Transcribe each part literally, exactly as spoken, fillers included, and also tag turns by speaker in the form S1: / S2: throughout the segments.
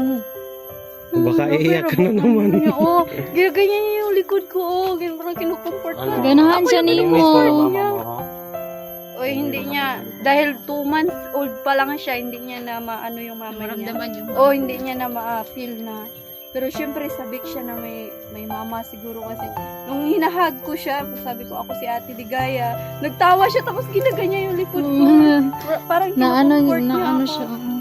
S1: Mm.
S2: Baka iiyak ka na naman.
S1: Oo, ginaganyan niya yung likod ko. Oh, ganyan parang kinukomport ko.
S2: Ano?
S3: Ganahan siya ni
S2: Miss ko na
S3: mo.
S2: mama mo, ha?
S1: Oy, hindi niya. Dahil two months old pa lang siya, hindi niya na maano yung mama niya.
S3: Maramdaman yung
S1: Oh, hindi niya na ma-feel na. Pero syempre sabik siya na may may mama siguro kasi. Nung hinahag ko siya, sabi ko ako si Ate Ligaya. Nagtawa siya tapos ginaganyan yung likod ko.
S3: Mm.
S1: Pra- Parang
S3: Na ano,
S1: kinukomport
S3: na
S1: niya
S3: ano
S1: ako.
S3: siya. oo.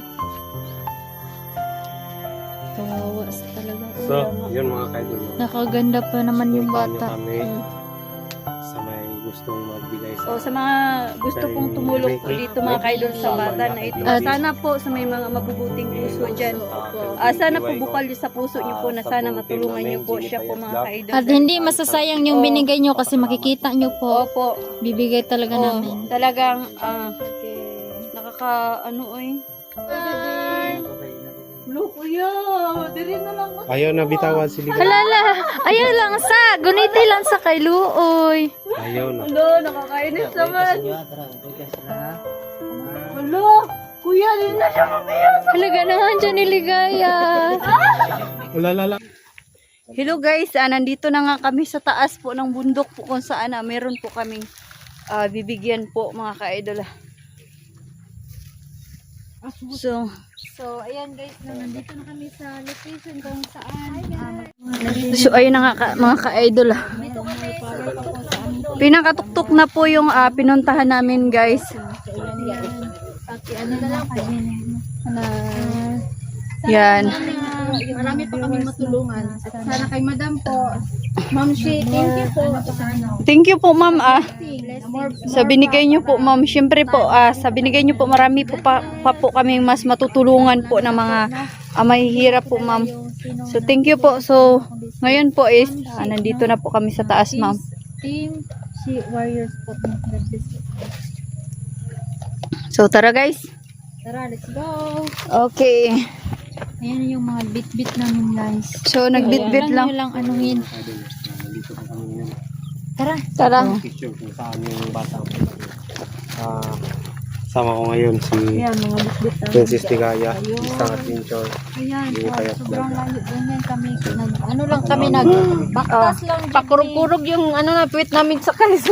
S3: Kawawa talaga.
S2: So, yun mga kaidol.
S3: Nakaganda pa naman yung
S2: Supportahan
S3: bata.
S2: niyo kami
S1: Mm.
S2: sa may gustong magbigay sa...
S1: O sa mga gusto pong tumulong po dito mga kaidol sa bata na ito.
S2: At-
S1: Sana po sa may mga mabubuting puso dyan. Ah, sana po bukal niyo sa puso niyo po na sana matulungan niyo po siya po mga kaidol.
S3: At hindi masasayang yung
S1: Oo.
S3: binigay nyo kasi makikita nyo po.
S1: Opo.
S3: Bibigay talaga
S1: Oo,
S3: namin.
S1: talagang ah, nakaka ano oy. Lo kuya, diri na lang ako.
S2: Ayaw na bitawan si Liga.
S3: Halala! Ayaw lang sa! Guniti lang sa kay Luoy.
S2: Ayaw na.
S1: Hello, nakakainis naman. Hello, kuya, di na siya mabiyas.
S3: Halaga naman dyan ni Ligaya.
S2: Wala, lala.
S1: Hello guys, ah, nandito na nga kami sa taas po ng bundok po kung saan ah, meron po kaming ah, bibigyan po mga ka-idol. ah. So,
S3: So, ayan guys, no, nandito na kami sa location kung saan.
S1: so ayun na nga ka, mga ka-idol. ah. Pinakatuktok na po yung ah, pinuntahan namin guys.
S3: Pati ano na lang kami. Na,
S1: Yan.
S3: marami pa kami matulungan. At sana kay Madam po. Ma'am Shi, thank you po.
S1: Thank you po ma'am ah. Sa binigay niyo po ma'am, syempre po ah, sa binigay niyo po marami po pa, pa po kaming mas matutulungan po ng mga ah, mahihirap po ma'am. So thank you po. So ngayon po is ah, nandito na po kami sa taas ma'am.
S3: Team Shi Warriors po.
S1: So tara guys.
S3: Tara, let's go.
S1: Okay.
S3: Ayan yung mga bit-bit namin guys.
S1: So nagbitbit
S3: Ayan,
S1: lang.
S3: nyo lang anuhin.
S2: Nandito pa kami ngayon.
S3: Tara.
S1: Tara.
S2: Picture kung saan yung bata. Ah, sama ko ngayon si
S3: Ayan, mga bit-bit namin.
S2: Princess Ligaya, isang adventure.
S3: Ayan,
S2: Hindi
S3: po,
S2: kaya
S3: sobrang
S2: vlog.
S3: layo. Ganyan kami. Nag, ano lang kami, nag baktas lang. dyan
S1: Pakurog-kurog yung ano na puwit namin sa kanisa.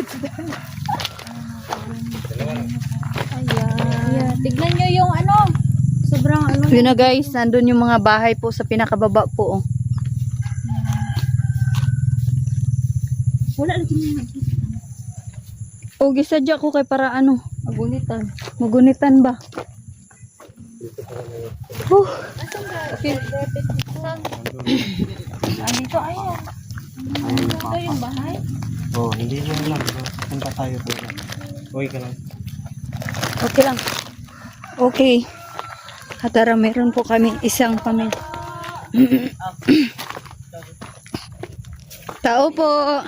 S3: Ayan. Ayan. Tignan nyo yung ano. Sobrang ano.
S1: Yun na guys, nandun yung mga bahay po sa pinakababa po. Oh.
S3: Wala lagi nyo nakita.
S1: O gisadya ko kay para ano,
S3: Magunitan.
S1: magunitan ba? Huh. Okay.
S3: Andito, ayan. Ito yung bahay.
S2: Oh, hindi mo lang. Punta tayo po. Uy ka lang.
S1: Okay lang. Okay. Hatara, meron po kami isang pamilya. Tao po.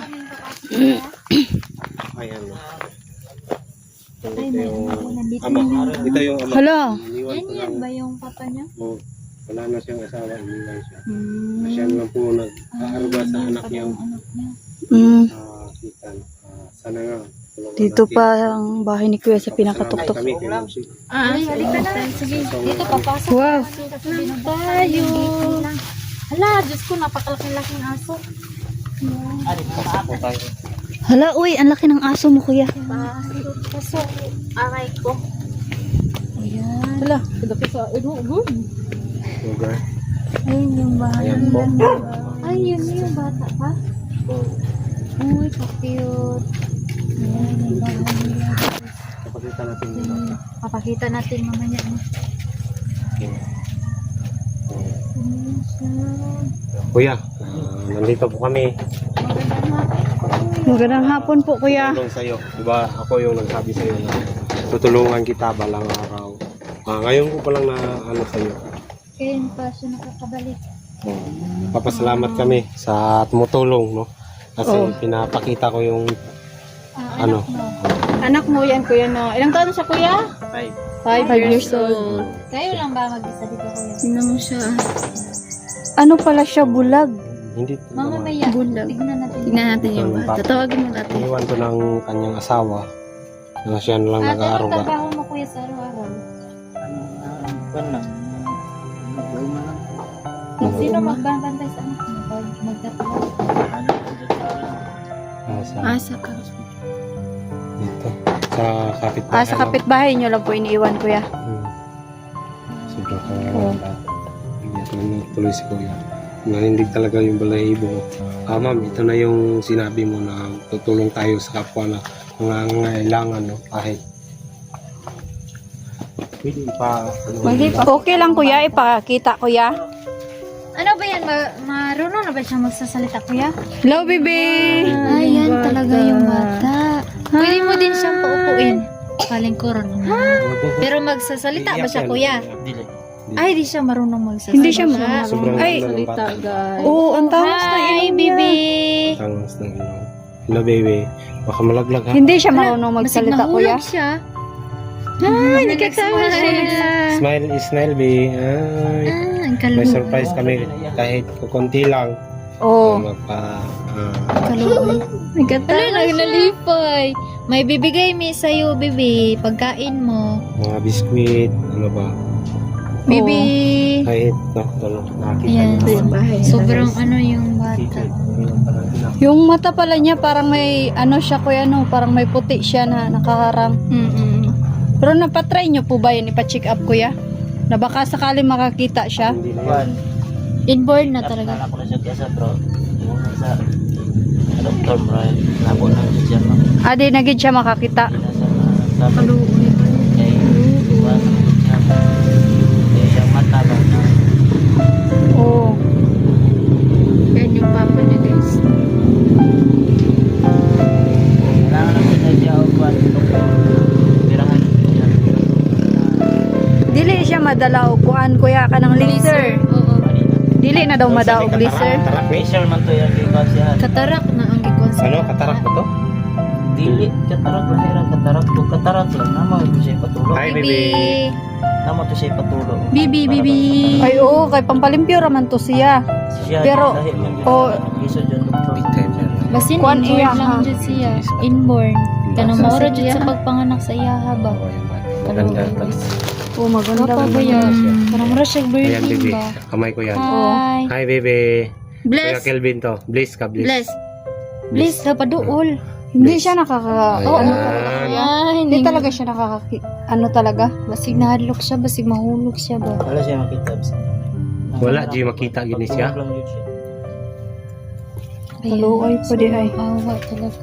S2: Ayan.
S3: Ay,
S2: Ito
S3: may
S2: yung
S3: ano, nandito
S2: ama.
S3: na yung-
S2: Ito yung ama.
S1: Hala.
S2: Iniwan
S3: Yan
S2: ko
S3: yan
S2: lang.
S3: ba yung papa niya?
S2: Oh, wala na siyang asawa. Iniwan siya.
S1: Mm.
S2: Siya lang po nag-aaruga sa anak niyang
S3: Anak niya.
S1: Mm.
S2: ah, Kitan. Ah, sana nga. tulungan
S1: Dito
S2: natin.
S1: pa ang bahay ni Kuya sa pinakatuktok.
S2: Kami, kay Ma'am Shi.
S3: Ah, halika na. Sige, dito papasok.
S1: Wow.
S3: Lang tayo. Hala, Diyos ko, napakalaki-laking aso.
S2: Pasok po tayo.
S1: Hala, uy, ang laki ng aso mo, Kuya.
S3: Pasok, pasok. Aray ko. Ayan.
S1: Hala.
S2: Sugar.
S3: Ayun yung bahay.
S2: Ayan po.
S3: Ay, yun yung bata pa. Uy, ka-cute. Ayan yung bahay nila.
S2: Kapakita natin yung bata.
S3: Papakita natin mamaya. no? Ayan siya.
S2: Kuya, ah, nandito po kami.
S3: Magandang hapon.
S1: Magandang hapon po, Kuya.
S2: Tulong sa'yo. Diba ako yung nagsabi sa'yo na tutulungan kita balang araw. Ah, ngayon ko pa lang na ano sa'yo.
S3: Kaya pa siya nakakabalik.
S2: Oh, papasalamat kami sa tumutulong, no? Kasi
S1: Oh.
S2: pinapakita ko yung
S3: Ah,
S2: ano.
S3: anak mo.
S1: Anak mo yan, Kuya, no? Ilang taon na siya, Kuya?
S2: Ay,
S1: Five, years old.
S3: Kayo lang ba mag-isa dito kuya?
S1: Tingnan mo siya. Ano pala siya, bulag?
S2: hindi.
S3: Mga maya,
S1: Bulag.
S3: tignan natin.
S1: Tingnan natin yung
S2: Yung
S1: bata.
S2: bata.
S1: Tawagin mo natin.
S2: Iniwan to ng kanyang asawa. Na siya na lang
S3: Ah, ano
S2: nag-aaruga.
S3: trabaho mo kuya sa araw-araw? Sino magbabantay sa anak mo pag magtatawag?
S2: Ah, sa,
S3: Asa ka.
S2: dito. Sa kapitbahay.
S1: Ah, sa kapitbahay nyo lang po iniiwan, kuya.
S2: Hmm. Sobrang
S1: Oo.
S2: kawawa. Iyak na tuloy si Kuya. Nanindig talaga yung balahibo. Ah, ma'am, ito na yung sinabi mo na tutulong tayo sa kapwa na nangangailangan, no? Kahit pwede pa, ano,
S1: Okay lang, kuya. Ipakita, kuya.
S3: Ano ba yan? Ma marunong na ba siya magsasalita, kuya?
S1: Hello, baby.
S3: Ay, yan talaga yung bata. Pwede mo din siyang paupuin. Palingkuran naman. Pero magsasalita ba siya, kuya? Ay, di siya marunong magsasalita.
S1: Hindi siya marunong.
S2: Sobrang
S1: Ay,
S2: ano ng bata.
S1: Oo, ang tawas na
S3: Hi,
S1: ilong
S3: baby.
S1: niya.
S2: Tangas ng ilong. Hello, baby. Baka malaglag, ha?
S1: Hindi siya marunong magsalita,
S3: Basig
S1: kuya.
S3: nahulog siya.
S1: Ay, nagkatawa siya.
S2: Smile is smile, baby. Ay,
S3: Ah, ang
S2: may
S3: kaluboy.
S2: surprise kami. Kahit kukunti lang.
S1: Oo.
S2: Magpa, ah,
S3: Kaluboy.
S1: Nagkatawa
S3: Wala, nagnalipay. May bibigay mi sa'yo, baby. Pagkain mo.
S2: mga biskwit, ano ba?
S3: Baby.
S2: Kahit, no, ano, nakakita
S3: Ayan.
S2: niyo.
S3: Sobrang ano yung bata.
S1: Yung mata pala niya parang may ano siya, kuya, no? Parang may puti siya na nakaharang.
S3: Mm-mm.
S1: Pero napatry nyo po ba yun? Ipa-check up, kuya? Na baka sakali makakita siya?
S2: Hindi na yan.
S3: Inborn na talaga.
S4: Ako na siya kesa bro. Yung sa doktor bro. Nabo na siya no.
S1: Adi, nagid siya makakita.
S4: Nasa sabi
S3: Kaluboy.
S4: kay iwan siya. Kaya yung mata ba na
S1: Oo.
S3: Yan yung papa niya, guys.
S4: kailangan na siya siya o kuwan doktor. Pirahan siya.
S1: Dili siya madala og kuan, kuya, ka ng laser.
S3: Oo.
S1: Dili na daw madaog laser.
S2: Katarak, eh.
S4: Facial man to yung ikaw siya.
S3: Katarak na ang gikon sa
S2: Ano, katarak ba to?
S4: Dili katarak lahira katarak to katarak lang nama ito siya patulog.
S2: Hi, baby.
S4: Nama to siya patulog.
S3: Bibi,
S4: Para
S3: bibi.
S4: ba-
S1: Ay, oo, kay pampalimpyo raman to siya.
S4: Siya
S1: Pero,
S4: dahil lang yun.
S1: oh,
S4: Iso dyan doktor.
S3: Basin
S1: Kuan
S3: inborn
S1: iya,
S3: lang
S1: ha?
S3: dyan siya. Inborn. Kanang
S1: Sa
S3: maura dyan
S1: siya.
S3: sa pagpanganak sa iyaha ba?
S2: Maganda.
S1: Oo, maganda.
S3: Gapa ba yan? Kanang maura siya
S2: Ayan,
S3: virgin
S2: baby.
S3: ba?
S2: Kamay ko yan.
S3: Hi.
S2: Hi, baby. Kuya
S3: Bless.
S2: Kelvin to. Bliss ka, bliss.
S3: Bless. Bless ka pa dool.
S1: Hindi siya nakaka...
S2: Ayan.
S1: Ano talaga kuya?
S3: Ay,
S1: Hindi talaga siya nakaka... Ano talaga?
S3: Basig nahadlok siya, basig mahulog siya ba?
S4: Wala siya makita.
S2: Wala, di makita gini siya.
S4: Lang yun siya.
S1: Kaluoy po di ay.
S3: Awa talaga.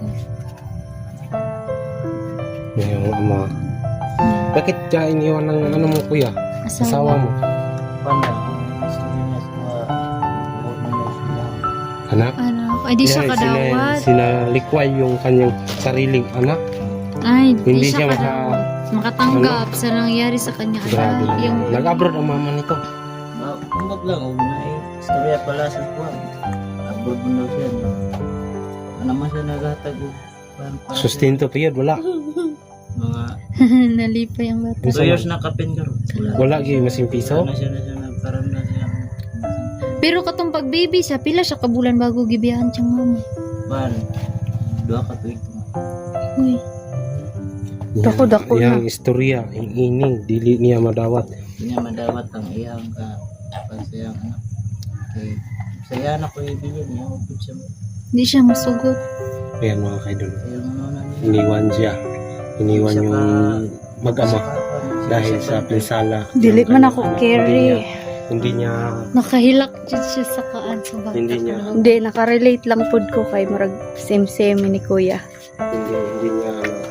S2: Yung ama. Bakit ka iniwan ng ano mo, kuya? Asawa mo?
S4: Panda. Gusto niya sa buhok ng nose niya.
S2: Anak?
S3: Ano? Ay, di siya
S2: Yan,
S3: kadawat.
S2: Sina, sinalikway yung kanyang sariling anak.
S3: Ay,
S2: Hindi
S3: di
S2: siya
S3: siya
S2: maka...
S3: kadawat. Makatanggap sa nangyari sa kanya.
S2: Grabe
S3: anak. Yung
S2: naman. Nag-abroad ang mama nito.
S4: Ma- Tungkod lang. Huwag na eh. Istorya pala sa kuwan. Abroad mo daw siya. no? Ano naman siya naghatag. o, parang- parang
S2: Sustento period, wala.
S4: Mga
S3: nalipay ang bata.
S4: two years na kapin ka ron.
S2: Wala gyud masing piso.
S4: Ano siya na siya nagkaroon na siya.
S3: Pero katong pag baby siya, pila siya kabulan bago gibiyahan siyang mama.
S4: Ban. Dua ka tuig.
S3: Uy.
S1: Dako, dako
S2: Yang istorya, yung ining, dili niya madawat.
S4: Hindi niya madawat ang iyang ka. Pagsayang anak. Okay. Saya na ko ibilin. Iyang upod siya.
S3: Hindi siya masugot.
S2: Ayan mga kaidol.
S4: Kaya ano na niya.
S2: Iniwan siya. Iniwan
S4: Siya
S2: yung
S4: pa-
S2: mag-ama
S4: Siya-
S2: dahil
S4: siya
S2: sa
S4: pa-
S2: pinsala.
S1: Dili
S2: ng
S1: man
S2: kanyang
S1: ako
S2: anak.
S1: carry.
S2: Hindi niya, hindi niya,
S3: Nakahilak dyan siya sa kaan sa bata.
S2: Hindi niya.
S1: Hindi, nakarelate lang pod ko kay murag same-same ni kuya.
S2: hindi, hindi niya,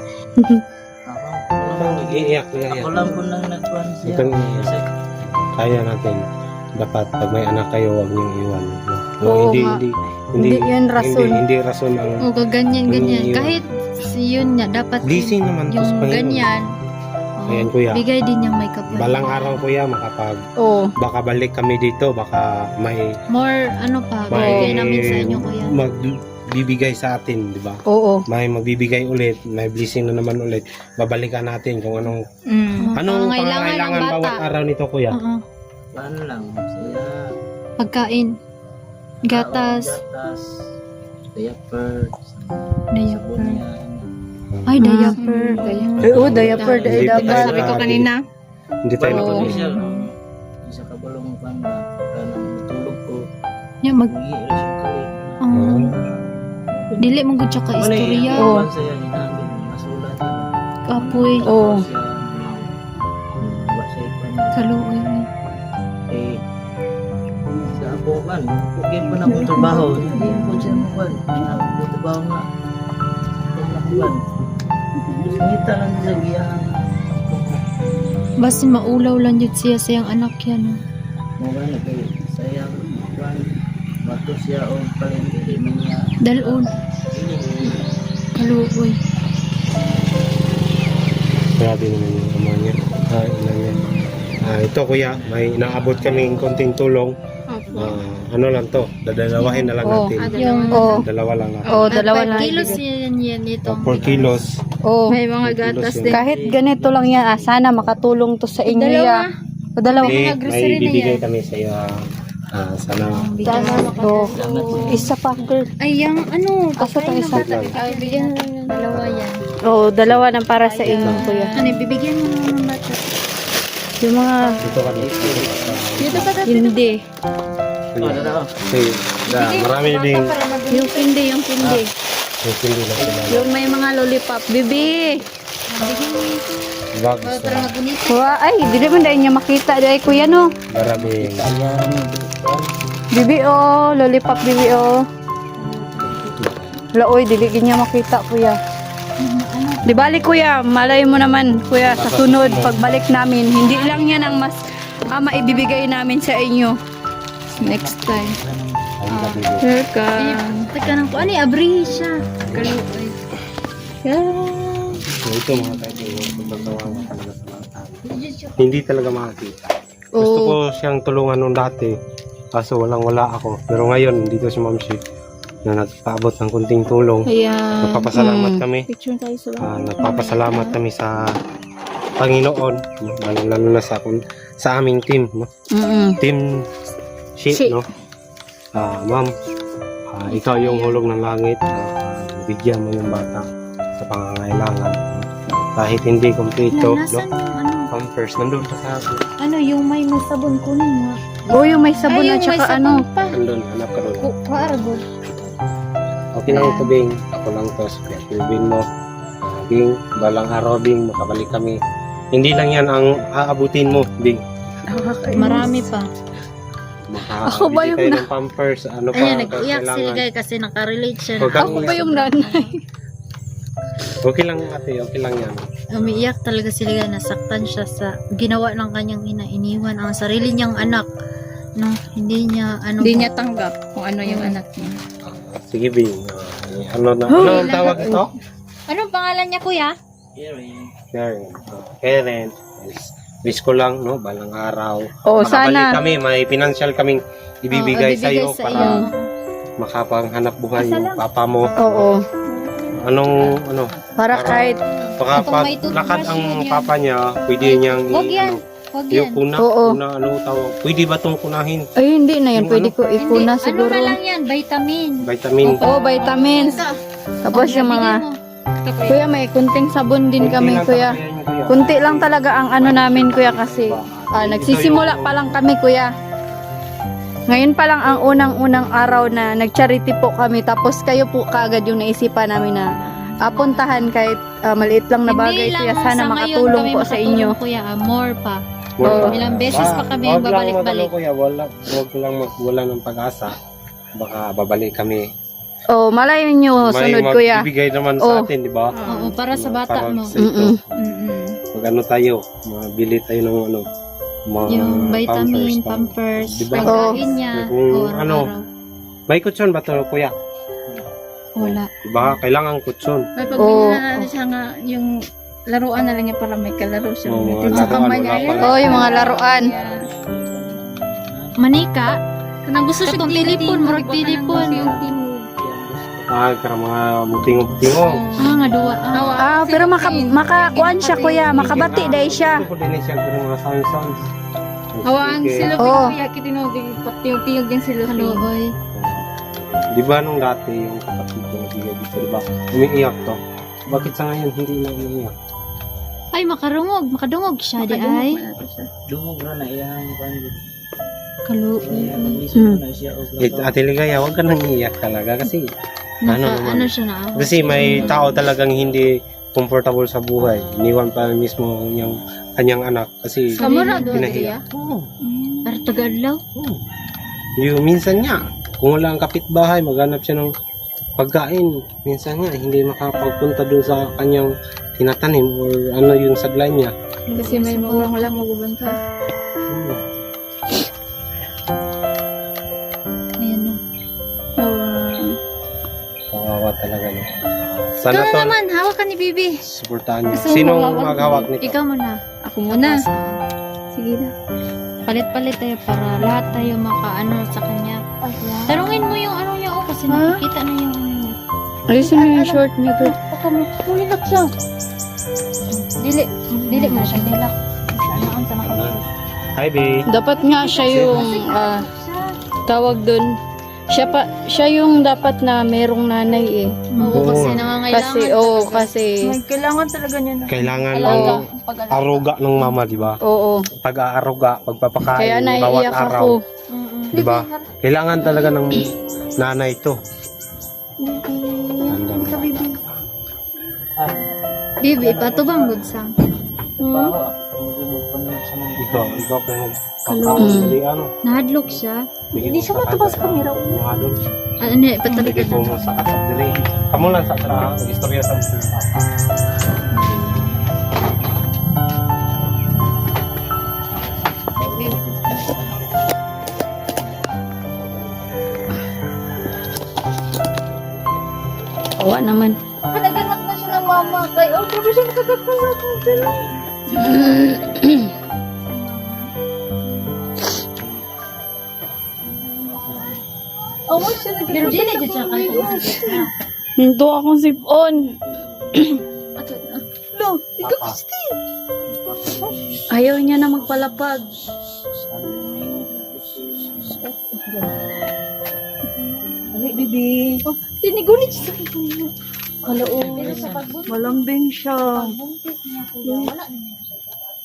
S4: Ako,
S2: parang nag-iiyak niya
S4: ako
S2: yan.
S4: lang po nang nagkuhan siya.
S2: Itong-
S4: Kasi
S2: Kaya natin, dapat pag may anak kayo, huwag niyong iwan. No? No,
S1: Oo
S2: hindi,
S1: nga.
S2: hindi,
S1: Hindi yan rason.
S2: Hindi, hindi rason ang
S3: O kaganyan, ganyan.
S2: Yung-
S3: Kahit si yun niya, dapat
S2: blessing naman to
S3: yung
S2: sa Panginoon.
S3: ganyan. oh,
S2: Ayan, kuya.
S3: Bigay din niyang may kapalit.
S2: Balang araw kuya, makapag
S1: Oo.
S2: baka balik kami dito, baka may
S3: More, ano pa,
S2: may
S3: bigay namin sa inyo kuya.
S2: magbibigay sa atin, di ba?
S1: Oo.
S2: May magbibigay ulit, may blessing na naman ulit. Babalikan natin kung anong
S1: Mm.
S2: anong
S3: Pangangailangan
S2: pangangailangan
S3: ng
S2: bawat
S3: bata.
S2: araw nito kuya.
S3: Oo.
S4: paano lang. Saya.
S3: Pagkain. Gatas.
S4: Kaon, gatas. Diaper.
S3: Diaper.
S4: Sabon niya.
S3: Ay,
S1: Ah.
S3: diaper.
S1: Ay, oo, diaper,
S2: Hindi
S1: diaper.
S2: tayo
S1: Sabi ko
S2: na-
S1: kanina.
S2: Hindi tayo
S1: Oo.
S2: matuloy.
S4: Official. Isa ka balong pan ba? Kanang tulog ko.
S3: Nya mag
S4: Hindi rin siya kayo.
S3: ang dili mo gud siya ka istorya.
S1: Oo.
S4: Sa yan, inamin, masulat.
S3: Kapoy.
S1: Oo.
S4: Tapos yan, wa siya ipan niya.
S3: Kaluoy.
S4: Eh, sa ako man, okay pa na akong trabaho. Hindi po siya makuhan. Ako trabaho nga. Pag nakuhan. Ngita lang sa giyahan.
S3: Basin maulaw lang jud siya sa iyang anak yan. no?
S4: Mga na kayo, sayang. Kuhan. Bato siya o palengke. Di man niya.
S3: Dalon. Kaluoy.
S2: Grabe naman yung ama niya. Ah, ina niya. Ah, ito kuya, may inaabot kaming konting tulong. Ah, ano lang to, dadalawahin na lang
S1: Oh.
S2: natin.
S3: Yung
S1: Oh.
S2: Dalawa lang natin.
S1: Oh, dalawa lang.
S3: kilos yan yan ito.
S2: four kilos.
S1: Oh.
S2: May mga gatas din.
S1: Kahit ganito lang yan, ah, sana makatulong to sa inyo. Ya. O dalawa.
S2: Hindi,
S3: mga grocery
S2: may
S3: na
S2: bibigay
S3: yan.
S2: kami sa iyo. Ah, sana.
S1: Sana oh. Isa pa, girl.
S3: Ay, yung ano,
S1: Asa to isa?
S3: Ay, bigyan mo ng dalawa yan.
S1: Oh, dalawa na para sa inyo, kuya.
S3: Ano, bibigyan mo ng bata.
S1: Yung mga
S2: Dito kami.
S3: Dito pa dati.
S1: hindi.
S4: Oh, dalawa.
S2: Okay. Da, marami din.
S1: Yung hindi, yung hindi.
S2: Yung hindi na sila.
S1: Yung may mga lollipop. Bibi!
S3: Bigyan mo ito.
S2: Bag
S3: Para
S2: gusto.
S3: para magunit.
S1: Wa, ay, dili man dahil niya makita. Dahil kuya, no?
S2: Marami.
S4: Ayan.
S1: Bibi, oh. Lollipop, bibi, oh. Laoy, dili niya makita, kuya. Di balik, kuya. Malay mo naman, kuya, sa sunod, pagbalik namin. Hindi lang yan ang mas ah, maibibigay namin sa inyo. Next time.
S2: Ang nabibigay.
S1: Welcome.
S3: Teka nang po. Ano, abrihi siya. Kaluoy.
S2: So, ito mga kaibigan, pagkagawa mo talaga sa mga tao. Hindi talaga makakita. Gusto
S1: Oo.
S2: ko siyang tulungan nung dati, kaso walang wala ako. Pero ngayon, dito si Ma'am Shi, na nagpaabot ng kunting tulong.
S1: Ayan.
S2: Nagpapasalamat
S1: Mm.
S2: kami.
S1: Picture tayo sa
S2: Ah, nagpapasalamat kami sa Panginoon, no? lalo, lalo na sa, kun- sa aming team, no?
S1: Mm-mm.
S2: Team Shi,
S1: Shi.
S2: no? Ah, Ma'am, ah, ikaw yung hulog ng langit, ah, bigyan mo yung bata sa pangangailangan. Kahit hindi kumpleto, no?
S3: Nasaan yung ano?
S2: Pampers, nandun pa sa akin.
S3: Ano, yung may may sabon kunin mo.
S1: Oh, yung may sabon
S3: Ay,
S1: at
S3: yung may
S1: saka
S3: sabon
S1: ano.
S3: pa.
S2: Nandun, hanap ka doon.
S3: Kuaragod.
S2: Okay lang ito, Bing. Ako lang to. Kaya Pilbin mo. Ah, Bing, balang araw, Bing, makabalik kami. Hindi lang yan ang aabutin mo, Bing.
S3: Marami pa.
S2: Makabili
S1: Ako ba yung
S2: tayo
S1: na-
S2: ng pampers, ano pa,
S3: Ayan,
S2: ang
S3: nag-iyak si
S2: kailangan.
S3: Ligay kasi nakarelate siya.
S2: Huwag kang
S1: Ako ba
S2: iyak.
S1: yung nanay?
S2: Okay lang, ate. Okay lang yan.
S3: Umiiyak talaga si Ligay. Nasaktan siya sa ginawa ng kanyang ina. Iniwan ang sarili niyang anak. No, hindi niya ano.
S1: Hindi niya tanggap kung ano yung anak niya.
S2: Ah, sige, Bing. Ah, ano na? Ano ang tawag ito?
S3: Anong pangalan niya, kuya?
S4: Karen.
S2: Karen. Karen. Yes. Wish ko lang, no? Balang araw.
S1: Oh,
S2: Makabalik
S1: sana.
S2: kami. May financial kaming ibibigay
S3: Oo,
S2: sa iyo
S3: sa
S2: para
S3: iyo.
S2: makapanghanap buhay yung papa mo.
S1: Oo.
S2: Anong, ano?
S1: Para kahit,
S2: Baka
S3: Kung
S2: pag
S3: may toothbrush
S2: lakad ang
S3: yan, yan.
S2: papa niya, pwede niyang
S3: Wag yan.
S2: ano,
S3: Huwag
S2: yung
S3: yan.
S2: kuna,
S1: Oo.
S2: kuna, ano tawag, pwede ba itong kunahin?
S1: ay hindi na yan.
S2: Yung
S1: Pwede
S2: ano?
S1: ko ikuna
S3: Hindi,
S1: siguro.
S3: Ano na lang yan? Vitamin.
S2: Vitamin.
S1: Oo, vitamins. Tapos yung mga, kuya may kunting sabon din
S2: Kunti
S1: kami,
S2: lang
S1: kuya.
S2: talaga yan, kuya.
S1: Kunti lang talaga ang ano namin, kuya, kasi ah, nagsisimula pa lang kami, kuya. Ngayon pa lang ang unang-unang araw na nag-charity po kami. Tapos kayo po kaagad yung naisipan namin na apuntahan kahit ah, maliit lang na bagay,
S3: Hindi
S1: kuya.
S3: lang
S1: Sana
S3: sa ngayon
S1: makatulong
S3: kami
S1: po sa
S3: makatulong,
S1: inyo.
S3: Kuya, ah, more pa.
S2: Wala.
S1: Oo.
S3: Ilang beses pa kami
S2: Wag lang
S3: babalik-balik.
S2: mag- kuya, wala, wag lang magwala ng pag-asa. Baka babalik kami.
S1: Oh, malayo nyo, sunod, kuya.
S2: magbibigay naman
S1: Oh.
S2: sa atin, di ba?
S3: Oo, para sa bata
S2: Para
S3: mo.
S2: sa ito.
S1: Mm-mm.
S3: Mm-mm.
S2: Pag ano tayo, mabili tayo ng ano, mga
S3: Yung vitamin,
S2: pampers,
S3: pampers,
S2: Diba?
S3: pagkain niya.
S2: Kung
S3: o
S2: ano,
S3: araw-araw.
S2: May kutsyon ba ito, kuya?
S3: Wala.
S2: Diba? Kailangan kutsyon.
S5: May
S1: Oo.
S5: pagbili na ano siya nga, yung laruan na lang niya para may kalaro siya.
S2: Oo,
S5: May
S2: mga
S5: sa
S2: laruan,
S5: kamay niya.
S2: wala
S5: Ayan.
S2: pala.
S1: Oh, yung mga laruan.
S3: Manika?
S5: Kanang gusto siya
S3: Katong tilipon, murag tilipon.
S2: Ah, kaya mga mutingog-tingog.
S3: Ah, nga duwa. Ah,
S1: Ah, pero maka, makakuan siya, kuya. Makabati dahil siya.
S2: Ito po din siya pero mga sounds-sounds.
S5: Hawaan sila
S1: Oo.
S5: kaya kitinogin, patiyog-tiyog din sila.
S3: kaluoy.
S2: Di ba nung dati yung kapatid ko nabigay dito, di ba? Umiiyak to. Bakit sa ngayon hindi na umiiyak?
S3: Ay, makarungog. Makadungog siya, di ay.
S4: Dumog na na iyang kanil.
S3: Kaluoy.
S1: Hmm.
S2: Eh, Ate Ligaya, huwag ka nang iiyak talaga kasi ano
S3: Naka,
S2: naman.
S3: ano siya na ako.
S2: Kasi may tao talagang hindi comfortable sa buhay. Iniwan pa mismo yung kanyang anak kasi
S3: Kamu na doon,
S2: pinahiya. Oo.
S3: Para tagadlaw.
S2: Oo. Yung minsan nga, kung wala ang kapitbahay, maghanap siya ng pagkain. Minsan nga, hindi makapagpunta doon sa kanyang tinatanim or ano yung saglay niya.
S5: Kasi may magulang wala magbubanta.
S2: Oo.
S3: Ayan o.
S5: Oh,
S2: Kawawa talaga no.
S3: Ikaw
S2: Sana
S3: na
S2: to,
S3: naman, hawak ka ni Bibi.
S2: suportahan niyo.
S5: Gusto mo
S2: Sinong
S5: hawak?
S2: maghawak nito?
S3: Ikaw muna.
S5: ako muna. Sige na.
S3: Palit-palit tayo para lahat tayo makaano sa kanya. Tarungin mo yung ano niya oh, kasi
S5: Ha?
S3: nakikita na yung ano niya.
S1: Alisin mo yung short niya, girl.
S5: Baka mo, tulilak siya.
S3: Dili, dili mo na siya nilak. Ano ang sa nakikita?
S2: Hi, babe.
S1: Dapat nga siya yung ah, tawag dun. Siya pa siya yung dapat na merong nanay eh.
S3: Oo,
S2: Oo.
S3: kasi nangangailangan.
S1: Kasi oh,
S3: talaga.
S1: kasi
S5: May kailangan talaga niya na.
S2: Kailangan
S3: Alaga.
S2: ng aruga ng mama, di ba?
S1: oo.
S2: Pag-aaruga, pagpapakain,
S1: Kaya
S2: bawat
S1: naiiyak
S2: araw.
S1: ako.
S3: Mm-mm.
S2: Di ba? Kailangan talaga ng nanay ito. Tanda mo.
S3: Bibi, patubang good sang.
S2: Ikaw, ikaw pa yung
S3: Kalong.
S2: Hindi, ano?
S3: Nahadlok siya.
S2: Hindi siya matubas sa kamera. Ano?
S3: Ano niya, patalik
S2: Hindi
S3: ka
S2: po mo sa kasap dili. Kamu lang sa sa istorya sa mga.
S1: Awa naman.
S5: Naganak na siya ng mama. Kaya, oh, grabe siya nakakakulak ng dala. Awa siya
S3: Pero dili
S5: nagkakulak.
S3: dyan siya kayo.
S1: Hinto akong sipon.
S5: No, ikaw
S2: Papa.
S5: gusto.
S1: Ayaw niya na magpalapag.
S5: Ano, bibi? Oh, tinigunit siya sa kanya. Hello,
S3: Pero sa pagbuntis,
S1: Malambing siya.
S3: pagbuntis niya kuya, wala na niya siya.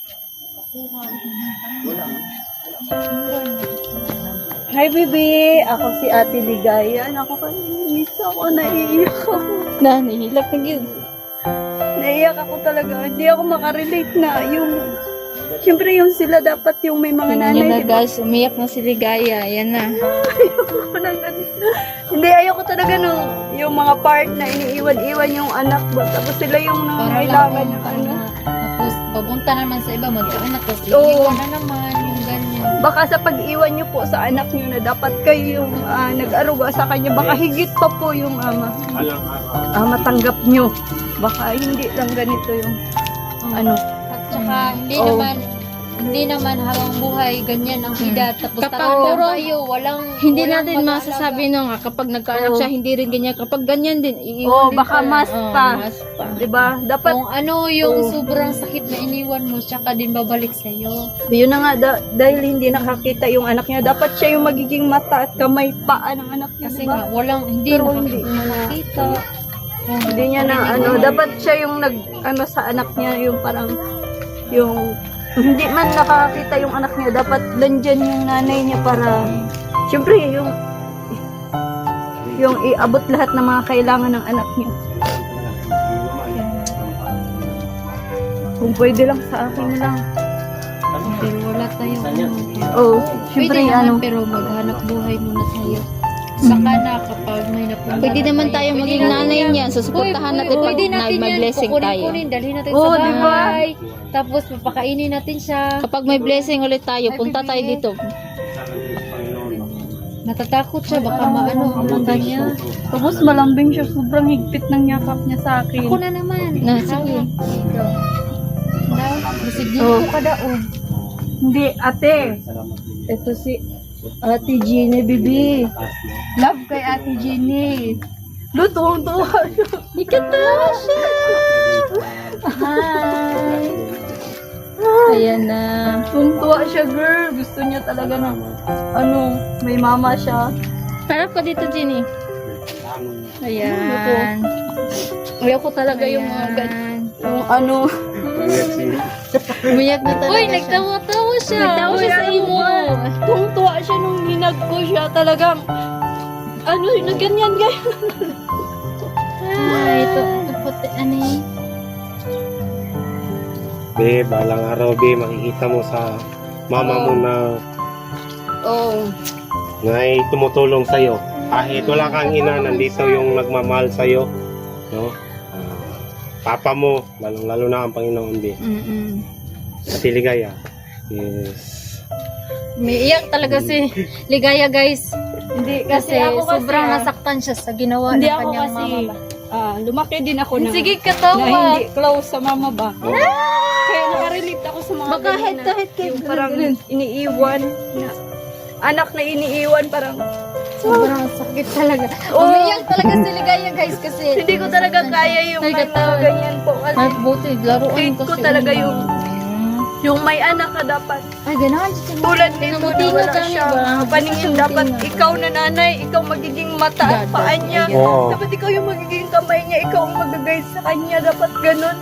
S1: Hi, baby. Ako si Ate Ligaya. Ako kanina ako. Naiiyak ako.
S5: Nanihilak na yun.
S1: Naiiyak ako talaga. Hindi ako makarelate na yung... Siyempre yung sila dapat yung may mga
S5: Tingnan
S1: nanay,
S5: niyo na
S1: di ba?
S5: guys, umiyak na si Ligaya. Yan na.
S1: Ayoko na ganun. Hindi, ayoko talaga nung yung mga part na iniiwan-iwan yung anak ba. Tapos sila yung nangangailangan ng ano.
S3: Tapos, papunta naman sa iba, magkaanak. Tapos,
S1: Oo.
S3: iiwan na naman yung ganyan.
S1: Baka sa pag-iwan nyo po sa anak nyo na dapat kayo yung ah, nag-aruga sa kanya, baka higit pa po yung ama. Ah, matanggap nyo. Baka hindi lang ganito yung ano.
S3: At saka, hindi
S1: Oo.
S3: naman, hindi naman habang buhay, ganyan ang edad. Tapos,
S5: Kapag
S3: tatanda
S5: puro-
S3: kayo, walang,
S5: Hindi
S3: walang
S5: natin
S3: mag-aalaga.
S5: masasabi no nga kapag nagkaanak
S1: Oo.
S5: siya hindi rin ganyan. Kapag ganyan din,
S1: Oo,
S5: iiwan din
S1: baka
S5: pala.
S1: mas
S5: Oo,
S1: pa.
S5: mas pa.
S1: 'Di ba? Dapat
S3: Kung ano yung
S1: Oo.
S3: sobrang sakit na iniwan mo, tsaka din babalik sa'yo.
S1: yun na nga da- dahil hindi nakakita yung anak niya, dapat siya yung magiging mata at kamay paa ng anak niya,
S3: Kasi
S1: di ba?
S3: nga, walang, hindi
S1: Pero
S3: nakak-
S1: hindi.
S3: nakakita.
S1: Hindi niya na ano, dapat siya yung nag ano sa anak niya, yung parang yung hindi man nakakita yung anak niya, dapat nandyan yung nanay niya para syempre yung yung iabot lahat ng mga kailangan ng anak niya. Kung pwede lang sa akin lang.
S3: Pero wala tayong ano.
S1: Oh,
S3: Pwede
S1: syempre
S3: naman,
S1: ano.
S3: pero maghanap buhay muna tayo. Saka na kapag may napunta
S5: Pwede
S3: na
S5: naman
S3: tayo,
S5: tayo
S3: pwede
S5: maging
S3: natin
S5: nanay
S3: yan.
S5: niyan. Susuportahan
S3: Uy,
S5: natin
S3: uy,
S5: pag
S3: pwede natin
S5: may
S3: yan.
S5: blessing
S3: Kukunin,
S5: tayo.
S3: kunin, dalhin natin
S1: Oo,
S3: sa
S1: di ba?
S3: bahay. Tapos papakainin natin siya.
S5: Kapag may blessing ulit tayo,
S3: Ay,
S5: punta tayo
S3: bibi.
S5: dito.
S3: Natatakot siya, baka maano ang mangga niya.
S1: Tapos malambing siya, sobrang higpit ng yakap niya sa akin.
S3: Ako na naman.
S5: Na, sige.
S3: Dito. Kasi dito
S1: Oh.
S3: ka daon.
S1: Hindi, ate. Ito si Ate Jeannie, bibi. Love kay Ate Jeannie. Lutong tuwa siya. Ikatawa siya.
S5: Hi! Ayan na.
S1: Tuwa siya, girl. Gusto niya talaga na, ano, may mama siya.
S5: Harap ka dito, Jenny. Ayan.
S1: Ayoko talaga yung mga gan-
S5: Ayan.
S1: yung ano.
S5: Umiyak na talaga
S3: Uy,
S5: siya.
S3: nagtawa-tawa siya.
S5: Nagtawa siya sa imo.
S1: Tuwang tuwa hinag ko siya talagang, ano, na ganyan, guys.
S3: Ah, ito, ito puti, ano eh.
S2: Be, balang araw, be, makikita mo sa mama mo na
S1: Oh.
S2: na ay tumutulong sa'yo. Kahit wala kang ina, nandito yung nagmamahal sa'yo. No? Ah, papa mo, lalong-lalo na ang Panginoon, be.
S1: Mm-mm.
S2: At Ligaya. Yes.
S3: Umiiyak talaga si Ligaya, guys.
S1: Hindi,
S3: Kasi,
S1: kasi, ako kasi,
S3: sobrang
S1: ah,
S3: nasaktan siya sa ginawa
S1: hindi
S3: ng
S1: ako
S3: kanyang
S1: kasi,
S3: mama ba.
S1: ah, lumaki din ako na,
S3: Sige,
S1: na
S3: katawa.
S1: hindi close sa mama ba. Kaya nakarelate ako sa mga
S3: Baka
S1: ganyan
S3: kahit-
S1: na
S3: kahit kayo,
S1: yung parang
S3: ganun.
S1: iniiwan na anak na iniiwan parang
S3: Sobrang sakit talaga.
S1: Oo.
S3: Umiiyak talaga si Ligaya, guys, kasi
S1: hindi ko talaga kaya yung
S3: Ay,
S1: may mga
S3: katawan.
S1: ganyan po kasi
S3: Ay, buti, laruan
S1: hate
S3: kasi.
S1: ko talaga
S3: una.
S1: yung- yung may anak ka dapat
S3: Ay, ganahan siya.
S1: tulad nito na
S3: Tinutino
S1: wala
S3: kami
S1: siya
S3: ba?
S1: paningin dapat ikaw na nanay ikaw magiging mata at
S3: Dad,
S1: paa
S3: dad,
S1: niya
S3: ayan.
S2: Oo.
S1: dapat ikaw yung magiging kamay niya ikaw ang mag-guide sa kanya dapat ganun.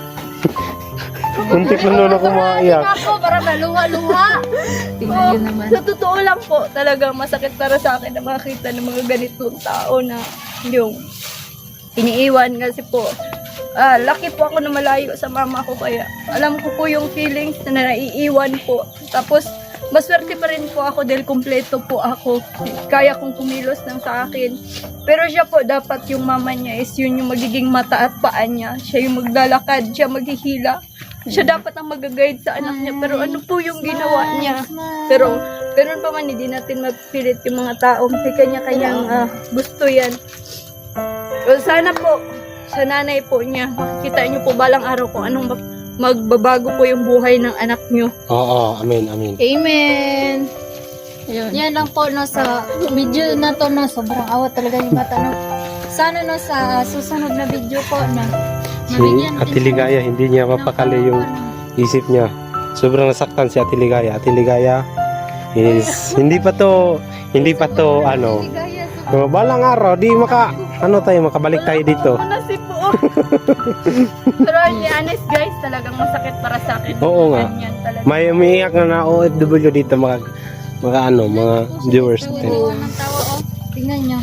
S2: Kuntik na nun ako maiyak.
S3: Ako, para maluha-luha. Tingnan
S1: Oo,
S3: yun naman.
S1: sa totoo lang po talagang masakit para sa akin na makita ng mga ganitong tao na yung iniiwan kasi po ah, laki po ako na malayo sa mama ko kaya alam ko po yung feelings na naiiwan po tapos maswerte pa rin po ako dahil kumpleto po ako kaya kong kumilos ng sa akin pero siya po dapat yung mama niya is yun yung magiging mata at paa niya siya yung maglalakad siya maghihila siya dapat ang mag-guide sa anak niya pero ano po yung ginawa niya pero ganun pa man hindi natin mapilit yung mga tao may kanya-kanyang ah, gusto yan. Well, sana po sa nanay po niya makikita niyo po balang araw kung anong mag- magbabago po yung buhay ng anak niyo.
S2: Oo, amen, amen.
S3: Amen.
S1: Ayun.
S3: Yan lang po no sa video na to no, sobrang awat talaga yung bata no. Sana no sa susunod na video po na
S2: Si
S3: mabigyan natin
S2: Ate Ligaya, hindi niya
S3: ng
S2: mapakali yung
S3: ano.
S2: isip niya. Sobrang nasaktan si Ate Ligaya. Ate Ligaya is hindi pa to, hindi pa to, ano,
S3: Ligaya, sobrang-
S2: uh, balang araw, di maka, ano tayo, makabalik tayo dito.
S1: Wala si po. Pero hindi honest guys, talagang masakit para sa akin.
S2: Oo nga.
S1: Ganyan talaga.
S2: May umiiyak na na O F W dito, mga, mga ano, mga viewers natin.
S3: Tawa ng tawa oh. Tingnan nyo.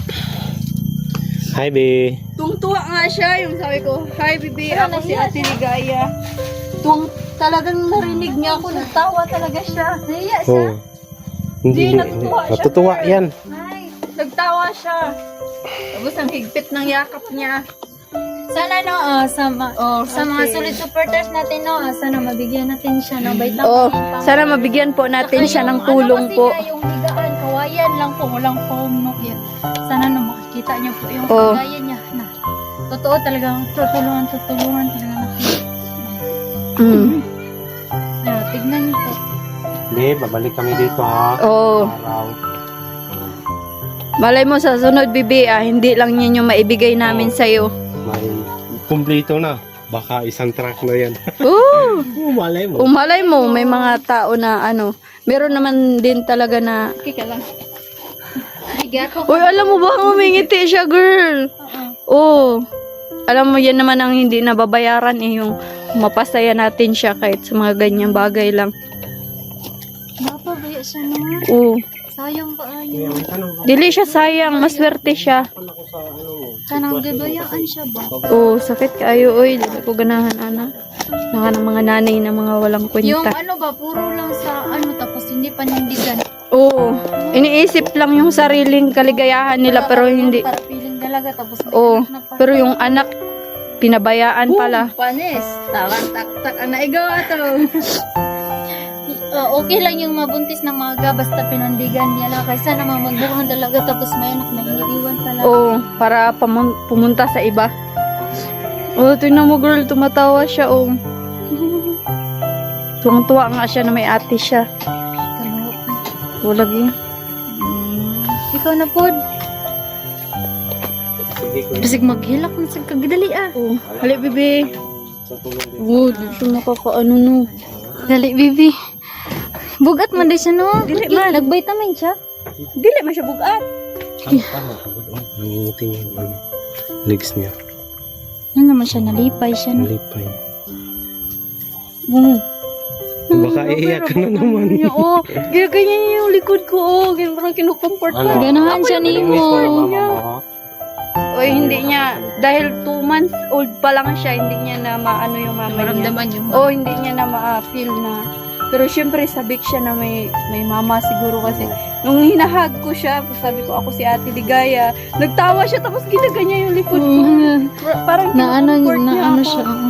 S2: Hi, be.
S1: Tungtuwa nga siya, yung sabi ko, hi bibi, ako si Ate Ligaya. Tung talagang narinig niya ako, natawa talaga siya.
S3: Naiya siya.
S2: Oh. Hindi,
S1: Hindi, natutuwa siya,
S2: natutuwa
S1: girl.
S2: yan.
S3: Ay.
S1: Nagtawa siya. Tapos ang higpit ng yakap niya.
S3: Sana no, ah, sa, ma-
S1: Oh,
S3: sa mga
S1: okay.
S3: solid supporters natin no, ah, sana mabigyan natin siya ng vitamin.
S1: Oh,
S3: pang-
S1: sana mabigyan po natin
S3: Saka
S1: siya
S3: yung
S1: ng tulong
S3: ano kasi
S1: po.
S3: niya, yung higaan, kawayan lang po, walang foam no. Yan. Sana no, makikita niyo po yung
S1: Oh.
S3: kagayan niya na. Totoo talagang tutulungan, tutulungan talaga natin.
S1: Mm.
S3: Ayan, tignan niyo po.
S2: Be, babalik kami dito ha.
S1: Oh,
S2: Araw.
S1: malay mo sa sunod bibi, ah, hindi lang yan yung maibigay namin
S2: Oh.
S1: sa'yo.
S2: May kumplito na. Baka isang truck na yan.
S1: Oh,
S2: Oh, malay mo.
S1: umalay mo, may mga tao na ano, meron naman din talaga na,
S3: Kika lang. Higa ko.
S1: uy, alam mo ba, umingiti siya, girl. Oh, alam mo, yan naman ang hindi nababayaran eh, yung mapasaya natin siya kahit sa mga ganyang bagay lang.
S3: Napabaya siya naman.
S1: Oh,
S3: Sayang ba
S2: Kaya
S3: ayo?
S2: may tanong ako
S1: dili siya sayang, maswerte siya.
S2: ako sa ano mo.
S3: Kanang gibayaan siya ba?
S1: Oh, sakit kaayo, oy, dili ko ganahan, ana. Naka ng mga nanay na mga walang
S3: Yung
S1: kwenta.
S3: ano ba, puro lang sa ano, tapos hindi panindigan.
S1: Oo. Iniisip lang yung sariling kaligayahan nila pero hindi.
S3: Para piling dalaga, tapos may
S1: Oo.
S3: anak na pa.
S1: Pero yung anak, pinabayaan pala.
S3: Panis, tawang tak-tak ang naigaw ato. Uh, okay lang yung mabuntis ng mga basta pinandigan niya lang kaysa naman magbuhang dalaga tapos may anak na iniiwan pala.
S1: Oo, para pamun- pumunta sa iba. Oh, tingnan mo girl, tumatawa siya, oh. Tuwang-tuwa nga siya na may ate siya.
S3: Kaluwa.
S1: Walag yun.
S3: Mm. Ikaw na po.
S2: Sige ko
S3: Basig maghilak na sa kagdali ah.
S1: Oh, hali, bibi.
S2: sa tulong din.
S1: Oh, di siya nakakaano, no.
S3: Dali, bibi. Bugat man din siya no.
S1: Dili man.
S3: Nag-vitamin siya.
S1: Dili man siya bugat.
S2: Tama, tama. Oh, nangingiting yung ano, legs niya.
S3: Ano naman siya, nalipay siya no.
S2: Malipay.
S3: Oo.
S2: Hindi Baka iiyak ka na naman.
S1: Niya, oh, ginaganyan niya yung likod ko, oh. Ganyan parang kinukomfort ko.
S2: Ano?
S3: Ganahan siya ni
S2: Namiss ko na
S3: mo.
S2: mama mo, ha?
S1: Oy, hindi niya, dahil two months old pa lang siya, hindi niya na maano yung mama niya.
S3: Maramdaman yung
S1: Oh, hindi niya na ma-feel na. Pero syempre, sabik siya na may, may mama siguro kasi. Nung hinahag ko siya, sabi ko, ako si Ate Ligaya. Nagtawa siya, tapos ginaganyan yung likod ko.
S3: Mm.
S1: Parang
S3: Na ano,
S1: kinukomfort
S3: na
S1: niya
S3: ano
S1: ako.
S3: siya. oo.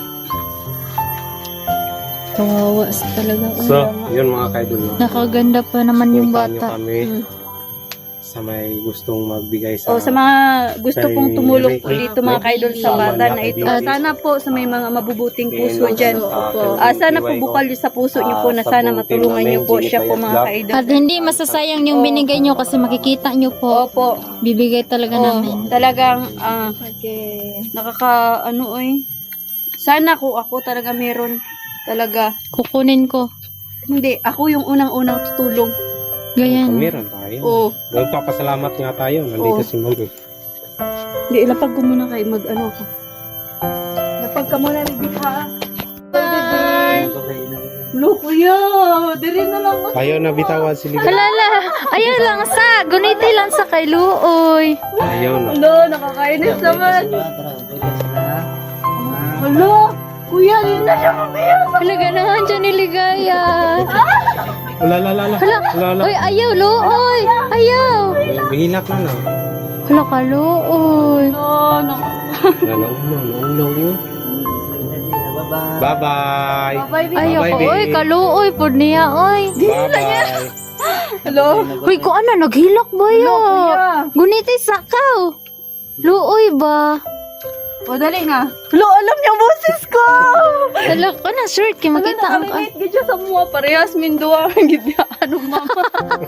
S3: Kawawa sa talaga.
S2: So, yun mga kaidol. no?
S3: Nakaganda pa naman yung
S2: Puntahan niyo
S3: bata.
S2: kami
S1: Mm.
S2: sa may gustong magbigay sa...
S1: O, sa mga gusto
S2: Kay
S1: pong tumulong po
S2: Ricky.
S1: dito mga kaidol sa bata na ito. Ah, sana po sa may mga mabubuting puso dyan. Ah, sana po bukal yun sa puso niyo po na sana matulungan niyo po siya po mga kaidol.
S3: At hindi masasayang yung binigay nyo kasi makikita nyo po.
S1: Opo.
S3: Bibigay talaga
S1: Oh,
S3: namin.
S1: talagang ah, nakaka ano oy. Sana ko ako talaga meron talaga.
S3: Kukunin ko.
S1: Hindi, ako yung unang-unang tutulong.
S2: Kung
S3: Ganyan.
S2: meron tayo.
S1: Oo.
S2: Magpapasalamat nga tayo. Nandito
S1: Oo.
S2: si Mami.
S1: Hindi, ilapag ko muna kay mag ano ko. Lapag ka muna rin ha. Bye. Look, kuya. Diri na lang ako.
S2: Ayaw na bitawan si Liga.
S3: Halala! Ayaw lang sa! Guniti lang sa kay Luoy.
S2: Ayaw na.
S1: Hello, nakakainis naman.
S4: Tara, pwede sila.
S1: Hello, kuya, yun na siya mabiyak.
S3: Halaga naman dyan ni Ligaya.
S2: Wala, la, la, la. Wala, la.
S3: Uy, ayaw, Luoy! Ayaw!
S2: Bihilak na na.
S3: Hala ka, Luoy.
S1: No, no.
S2: Naulo, naulo.
S4: Bye-bye.
S2: Bye-bye.
S1: Bye, baby.
S3: Ayaw
S2: Bye,
S3: ko,
S2: babe.
S3: uy, kaluoy, pod niya, uy.
S2: Bye-bye.
S1: Hello.
S3: Uy, ko ano, naghilak ba
S1: Hello,
S3: yun?
S1: kuya.
S3: Guniti sakaw. Luoy ba?
S1: O, dali na. Hello, alam niya boses ko.
S3: Hala ka na, shirt, kaya makita ang... ah.
S1: Nakalilit ka dyan sa mga parehas mindua. Gidya, ano mama.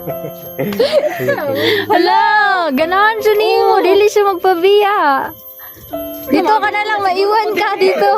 S3: Hala, ganahan siya ni mo, dili siya magpabiya. Dito ka na lang, maiwan ka dito.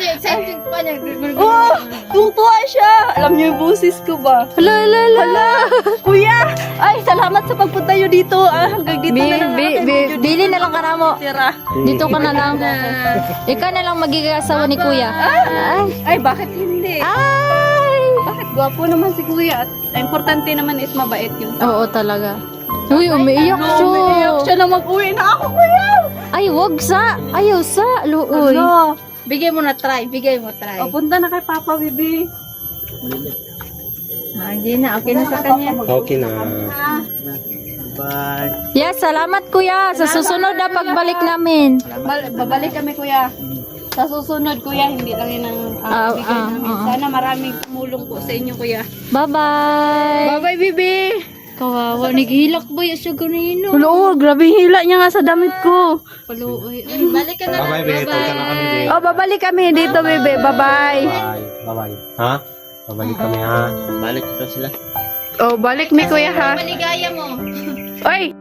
S1: Oh, tungtuwa siya. Alam niyo yung boses ko ba?
S3: Hala, hala, hala.
S1: Kuya, ay, salamat sa pagpunta niyo dito. Ah, hanggang dito
S3: Bi,
S1: na lang.
S3: bi,
S1: ako.
S3: bi, bili na lang ka na mo.
S1: Tira.
S3: Dito ka na lang. Ikaw na lang magiging asawa ni kuya. Ay,
S1: Ay, bakit hindi?
S3: ay.
S1: Bakit gwapo naman si kuya? At importante naman is mabait yun.
S3: Oo talaga. Uy, umiiyak
S1: No,
S3: siya.
S1: umiiyak siya na mag-uwi na ako, kuya.
S3: Ay, wag sa. Ayaw sa. Luoy.
S1: Ano?
S3: Bigay mo na try. Bigay mo try.
S1: O, punta na kay Papa, bibi.
S3: Ah, hindi na. Okay na sa kanya.
S2: Okay na.
S4: Bye.
S3: Yes, salamat kuya. Sa susunod na pagbalik namin.
S1: Bal- babalik kami, kuya. Sa susunod, kuya, hindi lang yun ang
S3: Ah,
S1: uh, bigay
S3: ah,
S1: namin.
S3: ah.
S1: Sana maraming tumulong po sa inyo, kuya.
S3: Bye-bye.
S1: Bye-bye, bibi.
S3: Kawawa. Naghilak ba yung siya ganino?
S1: Hello, grabe hila niya nga sa damit ko.
S3: Paluoy. Ay, balik ka na.
S2: Bye-bye, babe. Punta na kami, babe.
S1: Oh, babalik kami dito, bebe. Bye-bye.
S2: Bye. Bye-bye. Ha? Babalik kami, ha?
S4: Balik ko sila.
S1: Oh, balik mi, kuya, ha?
S3: Maligaya mo.
S1: Oy,